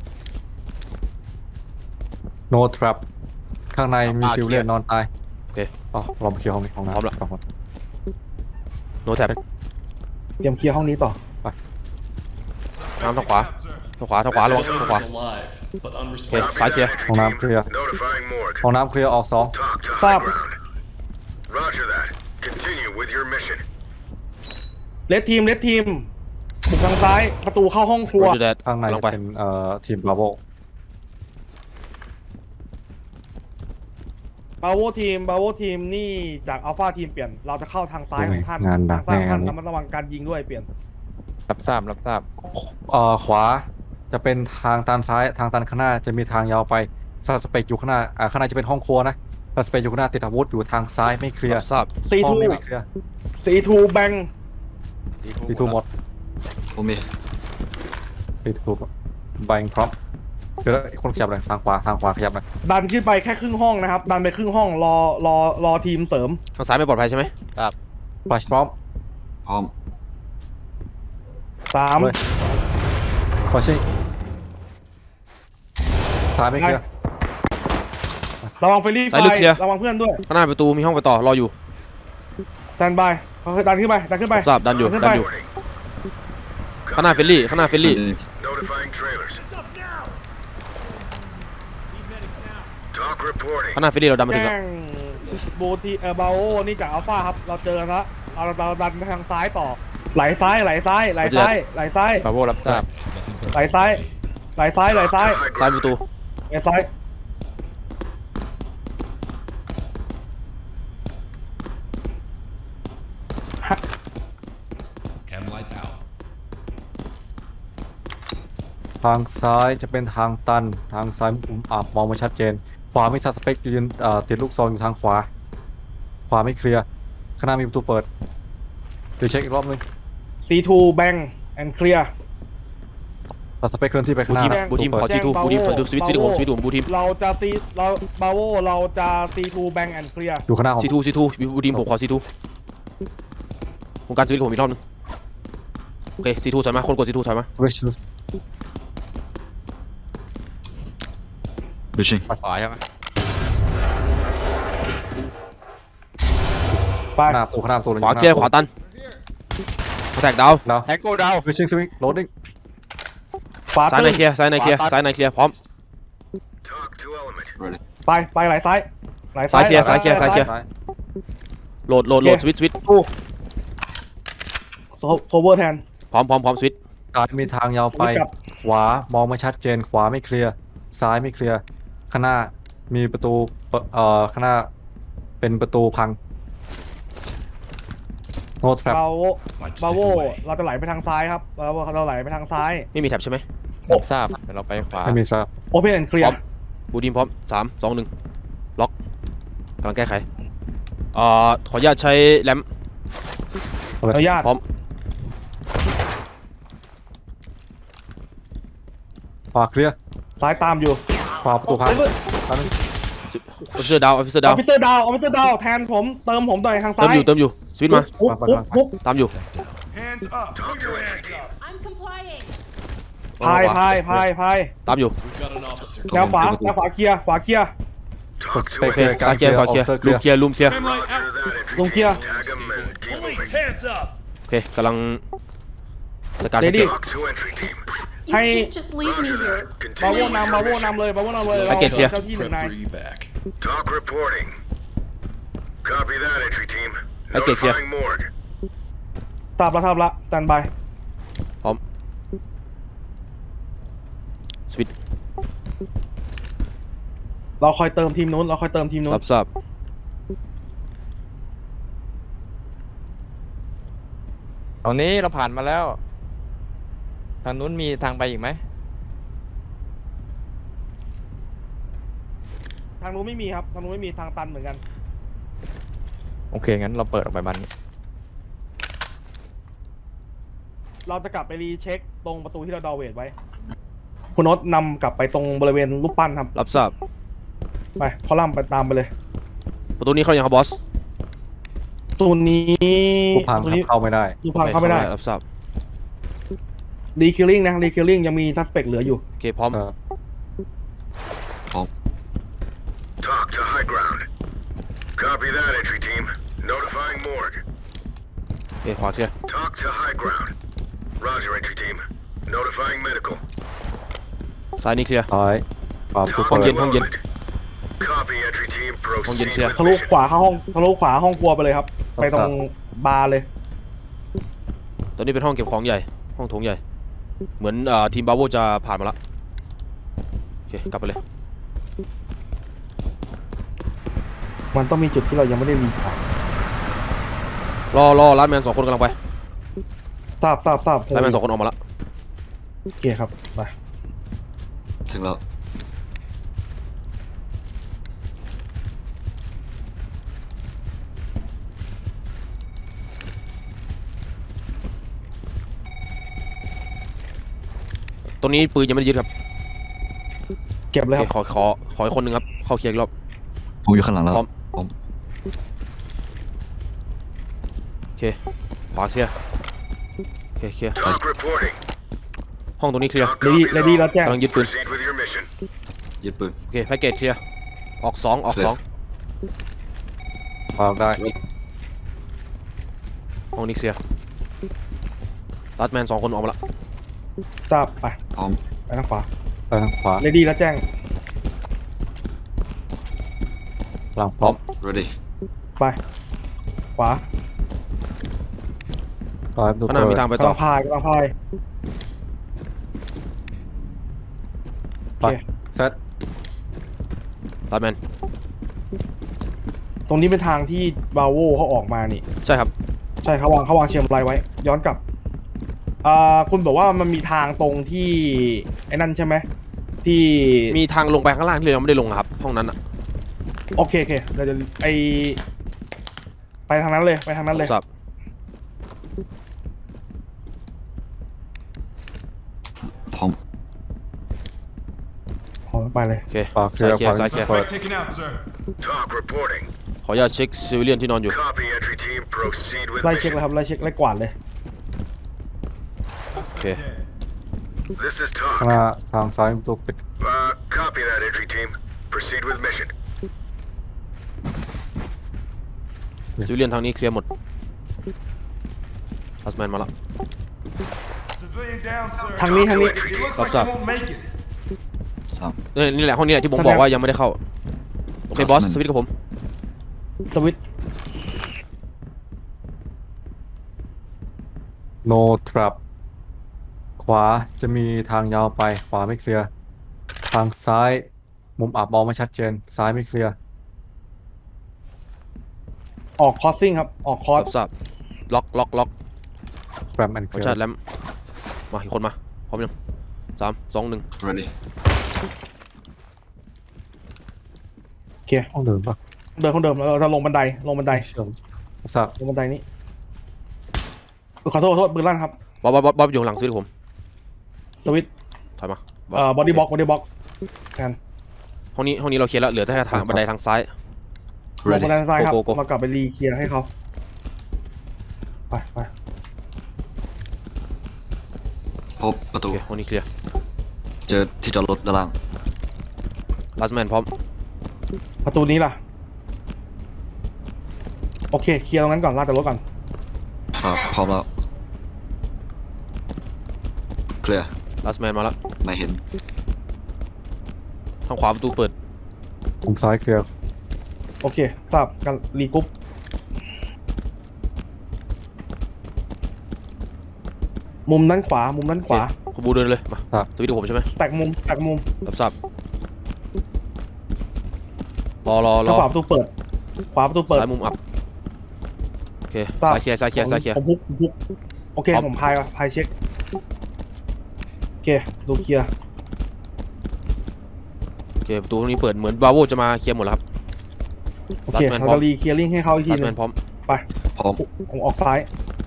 Speaker 3: no trap ข้างในมี
Speaker 5: อ่า
Speaker 3: ซิลเลียน
Speaker 5: เคลียร์
Speaker 3: นอนตาย
Speaker 4: โอเค
Speaker 3: อ๋อเราไปเคลียร์ห้องนี้ห้องน้ำ
Speaker 4: พร้อมละ
Speaker 3: สองคน
Speaker 4: โนแท็บ
Speaker 2: เตรียมเคลียร์ห้องนี้ต่อ
Speaker 4: น้ำทางขวาทางขวาทางขวาระวังทางขวา
Speaker 8: alive, but
Speaker 4: โอเค
Speaker 8: unresponsive.
Speaker 4: ซ้ายเคลียร์
Speaker 3: ห้องน้ำเคลียร์
Speaker 6: Notifying morgue.
Speaker 3: ห้องน้ำเคลียร์ออกสอง
Speaker 6: Talk to
Speaker 2: ทรา
Speaker 6: high
Speaker 2: บ
Speaker 6: ground. Roger that. Continue with your mission.
Speaker 2: เลสทีมเลสทีมบุกทางซ้ายประตูเข้าห้องครั
Speaker 4: โร
Speaker 2: ว
Speaker 4: เจอร์
Speaker 3: ข้างใน
Speaker 4: ลงไป
Speaker 3: เป็นเอ่อทีมบราโว
Speaker 2: บาโวทีมบาโวทีมนี่จากอัลฟาทีมเปลี่ยนเราจะเข้าทางซ้ายของท่าน
Speaker 3: งานดั
Speaker 2: ทาก งซ้าย
Speaker 3: แน่
Speaker 2: ของท่าน
Speaker 3: นี้
Speaker 2: ระมัดระวังการยิงด้วยเปลี่ยน
Speaker 7: รับทราบรับทราบ
Speaker 3: เอ่อขวาจะเป็นทางตันซ้ายทางตันข้างหน้าจะมีทางยาวไปซัสเปกอยู่ข้างหน้าอ่าข้างในจะเป็นห้องครัวนะซัสเปกอยู่ข้างหน้าติดอาวุธอยู่ทางซ้ายไม่เคลียร์
Speaker 4: รับทราบ
Speaker 2: ซี
Speaker 3: ห้อ
Speaker 2: ทู
Speaker 3: งนี้ไม่เคลียร์
Speaker 2: ซีทูแบง
Speaker 3: ปีทูหมด
Speaker 5: ผมมี
Speaker 3: ปีทูแบงพร้อมเดี๋ยวอีกคนขยับเลยทางขวาทางขวาขยับเลย
Speaker 2: ดันขึ้นไปแค่ครึ่งห้องนะครับ ดันไปครึ่งห้องรอรอรอทีมเสริม
Speaker 4: ทางซ้ายไม่ปลอดภัยใช่ไหม
Speaker 3: ฟลัชพร้อม
Speaker 5: พร้อม
Speaker 2: สาม
Speaker 3: เลยขอชิซ้ายไม่เคลียร์
Speaker 2: ระวังเฟรลี่ไฟ
Speaker 4: ซ้ายลึกเคลียร์
Speaker 2: ระวังเพื่อนด้วย
Speaker 4: ข้างหน้าประตูมีห้องไปต่อรออยู่
Speaker 2: ดันไปค่อยๆดันขึ้นไปดันขึ้นไป
Speaker 4: ทราบดันอยู่
Speaker 2: ขึ้น
Speaker 4: ดั
Speaker 2: ไป
Speaker 4: นอยู่ข้างหน้าเฟลลี่ข้างหน้าเฟลลี่
Speaker 6: Notifying trailers. Talk reporting.
Speaker 4: ข้างหน้าเฟลลี่เราดันมาถึง
Speaker 2: แจ้
Speaker 4: แล้ว
Speaker 2: งบูทีเออบาโอนี่จากอัลฟาครับ เราเจอกันละเราเราดันไปทางซ้ายต่อ ไหลซ้ายไหลซ้ายไหลซ้ายไหลซ้าย
Speaker 7: บาโวรับทราบ
Speaker 2: ไหลซ้ายไหลซ้ายไหลซ้าย
Speaker 6: High
Speaker 4: ซ้าย
Speaker 6: ground.
Speaker 4: ประตู
Speaker 2: ไหลซ้าย
Speaker 8: Chem light out.
Speaker 3: ทางซ้ายจะเป็นทางตันทางซ้ายมุมอับมองไม่ชัดเจน ขวามีซัสเปกยืนเอ่อติดลูกซองอยู่ทางขวา ขวาไม่เคลียร์ข้างหน้ามีประตูเปิดเดี๋ยวเช็คอีกรอบนึง
Speaker 2: ซีทูแบงแอนเคลียร์
Speaker 3: ซัสเปกเคลื่อนที่ไปข้างหน้านะ
Speaker 4: บูทีม
Speaker 3: ประ
Speaker 4: ขอ
Speaker 3: ตูเปิด
Speaker 4: ซีทูบูทีมขอดูสวิตช์สวิตช์ผมสวิตช์ผมบูทีม
Speaker 2: เราจะซีเราบาโวเราจะซีทูแบงแอนเคลียร์
Speaker 3: อยู่ข้างหน้าผม
Speaker 4: ซีทูซีทูบูทีมผมขอซีทูผมการสวิตช์ผมอีกรอบนึงโอเคซีทูถอยมาคนกดซีทูถอยมา
Speaker 3: สวิตช์
Speaker 5: ขวาใช่ไหม
Speaker 2: ไป
Speaker 3: หน้าประตูข้างหน้าประตูเลย
Speaker 4: ขวาเคลียร์ขวาตันแทกดาว
Speaker 3: แล้ว
Speaker 5: แทงโก้ดาว
Speaker 3: สวิตชิ่งสวิตช์โหลดดิ้ง
Speaker 2: ขวา
Speaker 4: ซ้ายใน
Speaker 2: ตึ้ง
Speaker 4: เคลียร์ซ้ายในเคลียร์ซ้ายในเคลียร์พร้อม
Speaker 6: Talk to element.
Speaker 2: ไปไปไหลซ้ายไหล
Speaker 4: ซ้ายเคลียร์ซ้ายเคลียร์ซ้ายเคลียร์
Speaker 3: ซ้าย
Speaker 4: โหลดโหลดโหลดสวิตช์สวิตช์
Speaker 2: โซเวอร์แทน
Speaker 4: พร้อมพร้อมพร้อมสวิตช์
Speaker 3: ซ้ายมีทางยาวไป
Speaker 2: สวิตช์กลับ
Speaker 3: ขขวามองไม่ชัดเจนขวาไม่เคลียร์ซ้ายไม่เคลียร์ข้างหน้ามีประตูเปิดเอ่อข้างหน้าเป็นประตูพัง no trap
Speaker 2: เรา
Speaker 8: Lights
Speaker 2: บา
Speaker 8: take
Speaker 2: โว
Speaker 8: away.
Speaker 2: เราจะไหลไปทางซ้ายครับเราเราไหลไปทางซ้าย
Speaker 4: ไม่มีแท็บใช่ไหม
Speaker 7: รับทราบเดี๋ยวเราไปขวา
Speaker 3: ไม่มีครับ
Speaker 2: โอเพนแอนด์เคลีย
Speaker 4: พร้อ
Speaker 2: ร์
Speaker 4: ม บูดีมพร้อมสามสองหนึ่งล็อกกำลังแก้ไขเอ่อขออนุญาตใช้แรม
Speaker 2: อนุญาต
Speaker 4: พร้อม
Speaker 3: ขวาเคลียร์
Speaker 2: ซ้ายตามอยู่
Speaker 3: ขวาประตูพัง
Speaker 2: อ
Speaker 4: ออฟฟิเซอร์ดาวออฟฟิเซอร์ดาว
Speaker 2: อฟฟิเซอร์ดาวออฟฟิเซอร์ดาวแทนผมเติมผมหน่อยทางซ้า
Speaker 4: เติม
Speaker 2: ย
Speaker 4: อยู่เติมอยู่สวิตช์มา
Speaker 2: ปุ๊บปุ๊บปุ๊บ
Speaker 4: ตามอยู่
Speaker 8: Hands up.
Speaker 6: Talk to entry team.
Speaker 9: I'm complying.
Speaker 2: พายพายพายพาย
Speaker 4: ตามอยู่
Speaker 8: We've got an officer.
Speaker 2: แนวขวาแนวขวาเคลียร์ขวาเคลียร์
Speaker 6: Talk
Speaker 3: ส
Speaker 6: to
Speaker 3: เปค
Speaker 4: โอ
Speaker 3: เค
Speaker 4: เค
Speaker 3: ลียร์กา
Speaker 4: ซ้าร ย
Speaker 3: เค
Speaker 4: เค
Speaker 3: ลี
Speaker 4: ลี
Speaker 3: ย
Speaker 4: ย
Speaker 3: ร์
Speaker 4: ร์
Speaker 3: อ
Speaker 4: ข
Speaker 3: อ
Speaker 4: วา
Speaker 3: ฟ
Speaker 4: เคลียร์
Speaker 3: เซอร์เคลี
Speaker 4: ลู
Speaker 3: ยร์
Speaker 4: มเคลียร์ลูมเคลียร์
Speaker 8: Cam light
Speaker 6: Roger
Speaker 8: out.
Speaker 6: that entry
Speaker 2: Don't
Speaker 6: team.
Speaker 2: care.
Speaker 6: Tag him and keep
Speaker 8: Police,
Speaker 6: moving.
Speaker 8: hands up.
Speaker 4: โอเคกำลังจัดการ
Speaker 2: Ready
Speaker 4: เก็บ
Speaker 6: Talk to entry team.
Speaker 9: You
Speaker 2: Hey.
Speaker 9: can't just leave me
Speaker 6: Roger
Speaker 9: here.
Speaker 6: that.
Speaker 2: บาโว
Speaker 6: Continue
Speaker 2: นำบาโว
Speaker 6: your
Speaker 2: นำ
Speaker 6: mission.
Speaker 2: เลยบาโว นำเลย
Speaker 4: ไอ้เกตเคลียร์
Speaker 2: เจ้าที่หนึ่ง
Speaker 8: Prep
Speaker 2: นาย
Speaker 8: for evac.
Speaker 6: Talk reporting. Copy that entry team.
Speaker 4: Okay, clear.
Speaker 6: Notifying morgue.
Speaker 2: ทราบแล้วทราบแล้วสแตนบาย
Speaker 4: พร้อมสวิตช์
Speaker 2: เราคอยเติมทีมนู้นเราคอยเติมทีมนู้น
Speaker 4: รับทราบ
Speaker 7: ตอนนี้เราผ่านมาแล้ว ทางนู้นมีทางไปอีกไหม
Speaker 2: ทางนู้นไม่มีครับทางนู้นไม่มีทางตันเหมือนกัน
Speaker 7: โอเค งั้นเราเปิดออกไปบันนี้
Speaker 2: เราจะกลับไปรีเช็คตรงประตูที่เราดอเวทไว้ คุณโนตนำกลับไปตรงบริเวณรูปปั้นครับ
Speaker 4: รับทราบ
Speaker 2: ไปพอล่ำไปตามไปเลย
Speaker 4: ประตูนี้เข้ายังครับบอส
Speaker 2: ตัวนี้
Speaker 3: ผู้พัง
Speaker 2: ตัวนี้
Speaker 3: เข้าไม่ได้
Speaker 2: ตัวพังเข้าไม่ได้
Speaker 4: รับทราบ
Speaker 2: รีคิลลิ่งนะรีคิลลิ่งยังมีซัสเปกเหลืออยู่
Speaker 4: โอเคพร้อม
Speaker 3: เออ
Speaker 6: Talk to high ground. Copy that entry team. Notifying morgue.
Speaker 4: โอเคขวาเคลียร์
Speaker 6: Talk to high ground. Roger entry team. Notifying medical.
Speaker 4: ซ้ายนี่เคลียร์
Speaker 3: ซ้ายขวาประตู
Speaker 6: Talk
Speaker 3: เปิ
Speaker 4: ห้อง
Speaker 3: ด
Speaker 4: เย็น
Speaker 6: to
Speaker 4: ห้องเย็น
Speaker 6: element. Copy entry team.
Speaker 4: ห้องเย็น
Speaker 6: Proceed
Speaker 4: เคลียร์
Speaker 6: with
Speaker 2: ทะลุ
Speaker 6: mission.
Speaker 2: ขวาเข้าห้องทะลุขวาห้องครัวไปเลยครับ ไปตรงบาร์เลย
Speaker 4: ตอนนี้เป็นห้องเก็บของใหญ่ ห้องโถงใหญ่ เหมือนเอ่อทีมบาโวจะผ่านมาละโอเคกลับไปเลย
Speaker 2: มันต้องมีจุดที่เรายังไม่ได้รีผ่าน
Speaker 4: รอรอร้านแมนสองคนกำลังไป
Speaker 2: ทราบทราบทราบ
Speaker 4: ร้านแมนสองคนออกมาละ
Speaker 2: โอเคครับไป
Speaker 5: ถึงแล้ว
Speaker 4: ตรงนี้ปืนยังไม่ได้ยึดครับ
Speaker 2: เก็บ
Speaker 4: โอ
Speaker 2: เลย
Speaker 4: เค
Speaker 2: ครับ
Speaker 4: ขอขอขออีกคนหนึ่งครับ เข้าเคลียร์อีกรอบ
Speaker 5: ผมอยู่ข้างหลังแล้ว
Speaker 4: พร้อม
Speaker 5: ผม
Speaker 4: โอเคขวาเคลียร์โอเคเคลียร์
Speaker 6: Talk reporting.
Speaker 4: ห้องตรงนี้เคลียร์
Speaker 6: Talk
Speaker 2: เลดี้
Speaker 6: copies
Speaker 2: เลดี้
Speaker 6: all.
Speaker 2: แล้วแจ้ง
Speaker 4: กำลังยึดปืน
Speaker 6: Proceed with your mission.
Speaker 5: ยึดปืน
Speaker 4: โอเคแพ็กเกจเคลียร์ ออกสองออกสอง
Speaker 3: วางได้
Speaker 4: ห้องนี้เคลียร์รัดแมนสองคนออกมาละ
Speaker 2: ทราบไป
Speaker 5: พร้อม
Speaker 2: ไปทางขวา
Speaker 3: ไปทางขวา
Speaker 2: เลดี้แล้วแจ้ง
Speaker 3: หลังพร้อม
Speaker 5: ready
Speaker 2: ไป ขวา
Speaker 3: ซ้ายประตู
Speaker 4: ข้างหน้า
Speaker 3: เปิ
Speaker 4: มี
Speaker 3: ด
Speaker 4: ทางไป
Speaker 2: กำ
Speaker 4: ต่อ
Speaker 2: ลังพายกำลังพาย
Speaker 3: ไปเซต
Speaker 4: รัดแมน
Speaker 2: ตรงนี้เป็นทางที่บาโวเขาออกมานี่
Speaker 4: ใช่ครับ
Speaker 2: ใช่เขาวางเขาวางเชียงรายไว้ ย้อนกลับอ่าคุณบอกว่ามันมีทางตรงที่ไอ้นั่นใช่ไหมที่
Speaker 4: มีทางลงไปข้างล่างที่เรายังไม่ได้ลงอะครับ ห้องนั้นอะ
Speaker 2: โอเคโอเคเราจะไอไปทางนั้นเลยไปทางนั้นเลย
Speaker 4: ทราบ
Speaker 5: พร้อม
Speaker 2: พอไปเลย
Speaker 4: โอเค
Speaker 3: ขวาเคลียร์ขวา
Speaker 4: ซ้ายเคลียร์
Speaker 3: เปิด
Speaker 8: Suspect taken out, sir.
Speaker 6: Talk reporting.
Speaker 4: ขออนุญาตเช็คซิวิเลียนที่นอนอยู่
Speaker 6: Copy entry team. Proceed with
Speaker 2: ไล่เช็ค
Speaker 6: mission.
Speaker 2: เลยครับไล่เช็คไล่กวาดเลย
Speaker 4: โอเค
Speaker 6: This is
Speaker 3: ข้างหน้า
Speaker 6: talk.
Speaker 3: ทางซ้ายประตูปิด
Speaker 6: Uh, copy that entry team. Proceed with mission.
Speaker 4: ซิวิเลียนทางนี้เคลียร์หมดรัดแมนมาละ
Speaker 8: Civilian down, sir.
Speaker 2: ทางนี้ทางนี้
Speaker 8: It looks
Speaker 4: What's
Speaker 8: like
Speaker 4: up?
Speaker 8: you won't make it.
Speaker 5: สาม
Speaker 4: เอ้ยนี่แหละห้องนี้แหละที่ผม
Speaker 2: แสดง
Speaker 4: บอกว่ายังไม่ได้เข้า โอเคบอส
Speaker 5: Bossman
Speaker 4: สวิตช์กับผม
Speaker 2: สวิตช์
Speaker 3: no trap ขวาจะมีทางยาวไปขวาไม่เคลียร์ทางซ้ายมุมอับมองไม่ชัดเจนซ้ายไม่เคลียร์
Speaker 2: ออกคอสซิ่งครับออกคอส
Speaker 4: รับทราบล็อกล็อกล็อก
Speaker 3: แรมแอนเค
Speaker 4: ขอ
Speaker 3: ลีย
Speaker 4: ชาร์จ
Speaker 3: ร์
Speaker 4: แลมมาอีกคนมาพร้อมยังสามสองหนึ่ง
Speaker 5: ready
Speaker 2: โอเค
Speaker 3: ห้องเดิมปะ
Speaker 2: เดินคนเดิมเราจะลงบันไดลงบันได
Speaker 3: เชื่อมทราบ
Speaker 2: ลงบันไดนี้เออขอโทษขอโทษปืนลั่นครับ
Speaker 4: บอสบอสบอสบอสอยู่ข้างหลังสวิตช์ผม
Speaker 2: สวิตช์
Speaker 4: ถอยมา
Speaker 2: เอ่อบอดี้บ็อกบอดี้บ็อกกัน
Speaker 4: ห้องนี้ห้องนี้เราเคลียร์แล้วเหลือแต่ทางบันไดทางซ้าย
Speaker 2: ลงบันไดซ้ายครับ
Speaker 4: โกโกโก
Speaker 2: เรากลับไปรีเคลียร์ให้เขาไปไป
Speaker 5: พบประ
Speaker 4: โอ
Speaker 5: ตู
Speaker 4: เคห้องนี้เคลียร์
Speaker 5: เจอที่จอดรถด้านล่าง
Speaker 4: ลัสแมนพร้อม
Speaker 2: ประตูนี้ล่ะโอเคเคลียร์ตรงนั้นก่อนลากจากรถก่อน
Speaker 5: ครับพร้อมแล้วเคลียร์
Speaker 4: ลัสแมนมาแล้ว
Speaker 5: ไม่เห็น
Speaker 4: ทางขวาประตูเปิด
Speaker 3: มุมซ้ายเคลียร์
Speaker 2: โอเคทราบกันรีกรุ๊ปมุมด้านขวามุมด้านขวา
Speaker 4: โอเคคุณบูเดินเลยมาสวิตช์ผมใช่ไหม
Speaker 2: สแต็กมุมสแต็กมุม
Speaker 4: รับทราบรอรอร
Speaker 2: ทาง
Speaker 4: อ
Speaker 2: ขวาประตูเปิด ขวาประตูเปิด
Speaker 4: ซ้ายมุมอับโอเค
Speaker 2: ทราบ
Speaker 4: ซ้ายเคลียร์ซ้ายเคลียร์ซ้ายเคลียร์
Speaker 2: ผมพุกผมพุกโอเค
Speaker 4: ครับ
Speaker 2: ผมพายว่ะพายเช็คโอเคดูเคลียร์
Speaker 4: โอเคประตูตรงนี้เปิดเหมือนบาโวจะมาเคลียร์หมดแล้วครับ
Speaker 2: โอเค
Speaker 4: Last man
Speaker 2: เรา
Speaker 4: พร้อ
Speaker 2: จะ
Speaker 4: ม
Speaker 2: รีเคลียร์ลิงให้เขาอีกที
Speaker 4: ลัส
Speaker 2: ห
Speaker 4: แม
Speaker 2: นึ
Speaker 4: น
Speaker 2: ง
Speaker 4: พร้อม
Speaker 2: ไป
Speaker 5: พร้อม
Speaker 2: ผมออกซ้าย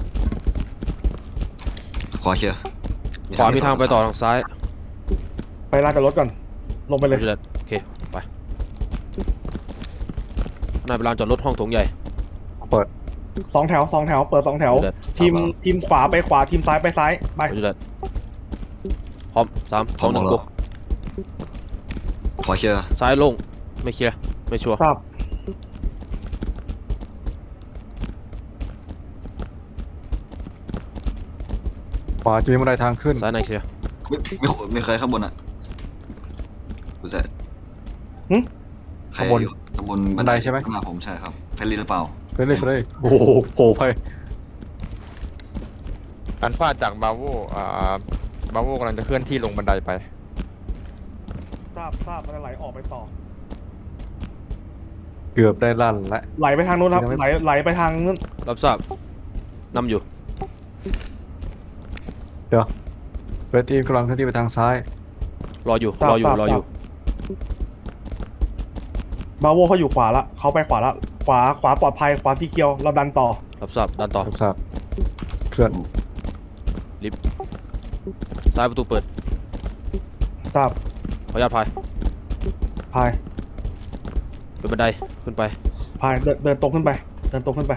Speaker 5: ขวาเคลียร์
Speaker 4: ขวามีทางไปต่อทางซ้าย
Speaker 2: ไปลากจากรถก่อน ลงไปเลย
Speaker 4: โอเคไปข้างในเป็นลานจอดรถห้องโถงใหญ่
Speaker 3: เปิด
Speaker 2: สองแถวสองแถวเปิดสองแถว
Speaker 4: เดือด
Speaker 2: ทีมทีมขวาไปขวาทีมซ้ายไปซ้ายไป
Speaker 4: โอเคพร้อมสาม
Speaker 5: พ
Speaker 4: ส
Speaker 5: ร้
Speaker 4: อ
Speaker 5: อง ม
Speaker 4: หนึ่ง
Speaker 5: แล้
Speaker 4: กู
Speaker 5: วขวาเคลียร์
Speaker 4: ซ้ายโล่งไม่เคลียร์ไม่ชัวร์
Speaker 2: ทราบ
Speaker 3: ขวาจะมีบันไดทางขึ้น
Speaker 4: ซ้ายในเคลียร์
Speaker 5: ไม่ไม่ไม่เคยข้างบนอ่ะดูแต่
Speaker 2: หึ
Speaker 5: ใคร
Speaker 3: ข้างบน
Speaker 5: อยู่ข้างบน
Speaker 3: บันไดใช่ไหม
Speaker 5: ข้างหน้าผมใช่ครับเฟรนลี่หรือเปล่า
Speaker 3: เรื่อยๆเลยโอ้โหโผล่ไป
Speaker 7: อันฟาจากบาโวอ่าบาโวกำลังจะเคลื่อนที่ลงบันไดไป
Speaker 2: ทราบทราบมันจะไหลออกไปต่อ
Speaker 3: เกือบได้ลั่นและ
Speaker 2: ไหลไปทางนู้นครับ
Speaker 3: ยังไม่
Speaker 2: ไหลไหลไปทางนู้น
Speaker 4: รับทราบนำอยู่
Speaker 3: เดี๋ยวเรดทีมกำลังเคลื่อนที่ไปทางซ้าย
Speaker 4: รออยู่
Speaker 2: ทราบ
Speaker 4: รออยู่
Speaker 2: ทราบ
Speaker 4: รออยู่
Speaker 2: ทราบ บาโวเขาอยู่ขวาละเขาไปขวาละขวาขวาปลอดภัยขวาสีเขียวเราดันต่อ
Speaker 4: รับทราบดันต่อ
Speaker 3: ทราบเคลื่อน
Speaker 4: ซ้ายประตูเปิด
Speaker 2: ทราบ
Speaker 4: ขออนุญาตพาย
Speaker 2: พาย
Speaker 4: เป็นบันไดขึ้นไป
Speaker 2: พายเดินเดินตรงขึ้นไป เดินตรงขึ้นไป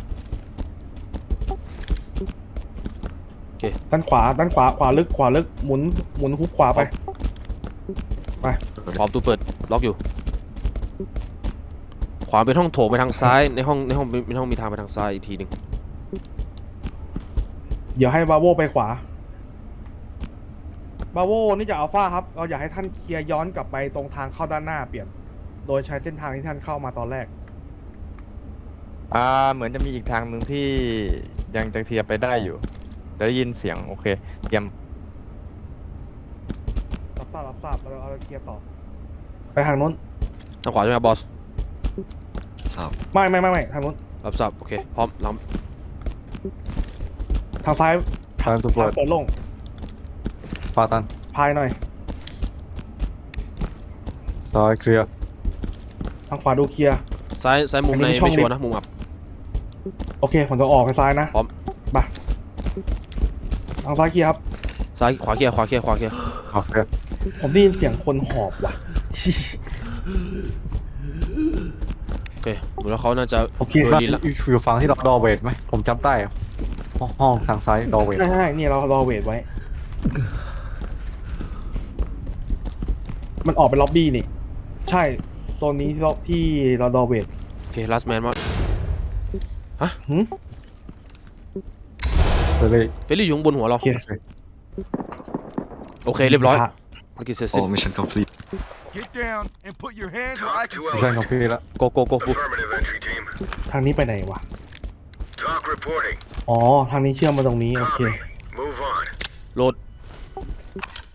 Speaker 4: โอเค
Speaker 2: ด้านขวาด้านขวาขวาลึกขวาลึกหมุนหมุนฮุบขวาไป ไป
Speaker 4: พร้อมประตูเปิดล็อกอยู่ ขวาเป็นห้องโถงไปทางซ้ายในห้องในห้องในห้องมีทางไปทางซ้ายอีกทีหนึ่ง
Speaker 2: เดี๋ยวให้บาโวไปขวา บาโวนี่จะอัลฟาครับ เราอยากให้ท่านเคลียร์ย้อนกลับไปตรงทางเข้าด้านหน้าเปลี่ยน โดยใช้เส้นทางที่ท่านเข้ามาตอนแรก
Speaker 7: อ่าเหมือนจะมีอีกทางหนึ่งที่ยังจะเคลียร์ไปได้อยู่จะได้ยินเสียงโอเคเตรียม
Speaker 2: รับทราบรับทราบเราเราเคลียร์ต่อ ไปทางนู้น
Speaker 4: ทางขวาใช่ไหมบอส
Speaker 5: ทราบ
Speaker 2: ไม่ไม่ไม่ไม่ทางนู้น
Speaker 4: รับทราบโอเคพร้อมล
Speaker 2: ทางซ้าย
Speaker 3: ทางประตูเปิ
Speaker 2: ทาง
Speaker 3: ด
Speaker 2: เปิดโล่ง
Speaker 3: ขวาตัน
Speaker 2: พายหน่อย
Speaker 3: ซ้ายเคลียร์
Speaker 2: ทางขวาดูเคลียร์
Speaker 4: ำซ้ายซ้ายมุม
Speaker 2: อัน
Speaker 4: ใน
Speaker 2: นี้ช่อง
Speaker 4: ไม่ชัวร์
Speaker 2: ลิฟต์
Speaker 4: นะมุมอับ
Speaker 2: โอเค ผมจะออกไปซ้ายนะ
Speaker 4: พร้อม
Speaker 2: ไปทางซ้ายเคลียร์ครับ
Speaker 4: ซ้ายขวาเคลียร์ขวาเคลียร์ขวาเคลียร์
Speaker 3: ขวาเคลียร์
Speaker 2: ผมได้ยินเสียงคนหอบว่ะ
Speaker 4: โอเคดูแล้วเขาน่าจะ
Speaker 2: โอเค
Speaker 4: โดน
Speaker 3: นั่น
Speaker 4: ดินละ
Speaker 3: อยู่ฝั่งที่เราดอเวทไหมผมจำได้ห้องห้องทางซ้ายดอเวท
Speaker 2: ใช่ใช่เนี่ยเรารอเวทไว้ มันออกไปล็อบบี้นี่ ใช่ โซนนี้ที่เราที่เรารอเวท
Speaker 4: โอเคลัสแมนมา
Speaker 2: หืม
Speaker 3: ไปเลย
Speaker 4: เฟลลี่อยู่ข้างบนหัวเรา
Speaker 2: โอเค
Speaker 4: โอเคเรียบร้อยภารกิจเสร็จ
Speaker 5: โอ้
Speaker 4: สิ้น
Speaker 5: มิชชั่นคอมพลีท
Speaker 8: Get down and put your hands where I can
Speaker 3: สิ่ง
Speaker 8: see.
Speaker 3: แรกของพี่ละ
Speaker 4: โกโกโกปุ๊บ
Speaker 6: Affirmative, entry team.
Speaker 2: ทางนี้ไปไหนวะ
Speaker 6: Talk reporting.
Speaker 2: อ๋อ ทางนี้เชื่อมมาตรงนี้ โอเค
Speaker 6: Copy. Move on.
Speaker 4: โหลด
Speaker 2: อ